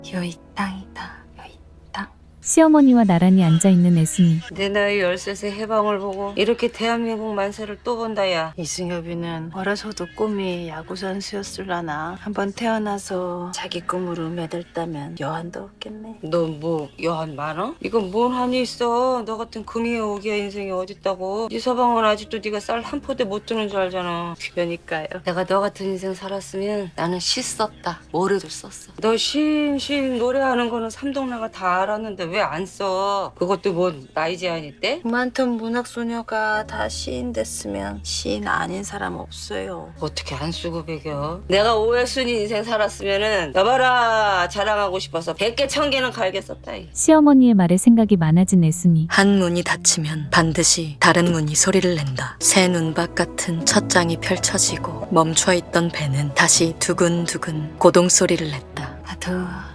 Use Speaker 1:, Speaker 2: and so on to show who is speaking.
Speaker 1: 여기 땅이다. 여기 땅.
Speaker 2: 시어머니와 나란히 앉아있는 애순이.
Speaker 1: 내 나이 13세 해방을 보고 이렇게 대한민국 만세를 또 본다 야.
Speaker 3: 이승엽이는 어려서도 꿈이 야구 선수였을라나. 한번 태어나서 자기 꿈으로 매달다면 여한도 없겠네.
Speaker 1: 너 뭐 여한 많어? 이건 뭔 한이 있어. 너 같은 금이의 오기야 인생이 어딨다고. 네 서방은 아직도 네가 쌀 한 포대 못 드는 줄 알잖아.
Speaker 3: 그러니까요.
Speaker 1: 내가 너 같은 인생 살았으면 나는 시 썼다. 뭐래도 썼어. 너 신 노래하는 거는 삼동네가 다 알았는데 왜 안 써? 그것도 뭔 나이 제한 있대?
Speaker 3: 많던 문학소녀가 다 시인 됐으면 시인 아닌 사람 없어요.
Speaker 1: 어떻게 안 쓰고 배겨? 내가 오해순이 인생 살았으면은 여봐라 자랑하고 싶어서 100개 1000개는 갈겠었다.
Speaker 2: 시어머니의 말에 생각이 많아진 애순이.
Speaker 4: 한 문이 닫히면 반드시 다른 문이 소리를 낸다. 새 눈밭 같은 첫 장이 펼쳐지고 멈춰있던 배는 다시 두근두근 고동 소리를 냈다.
Speaker 1: 나도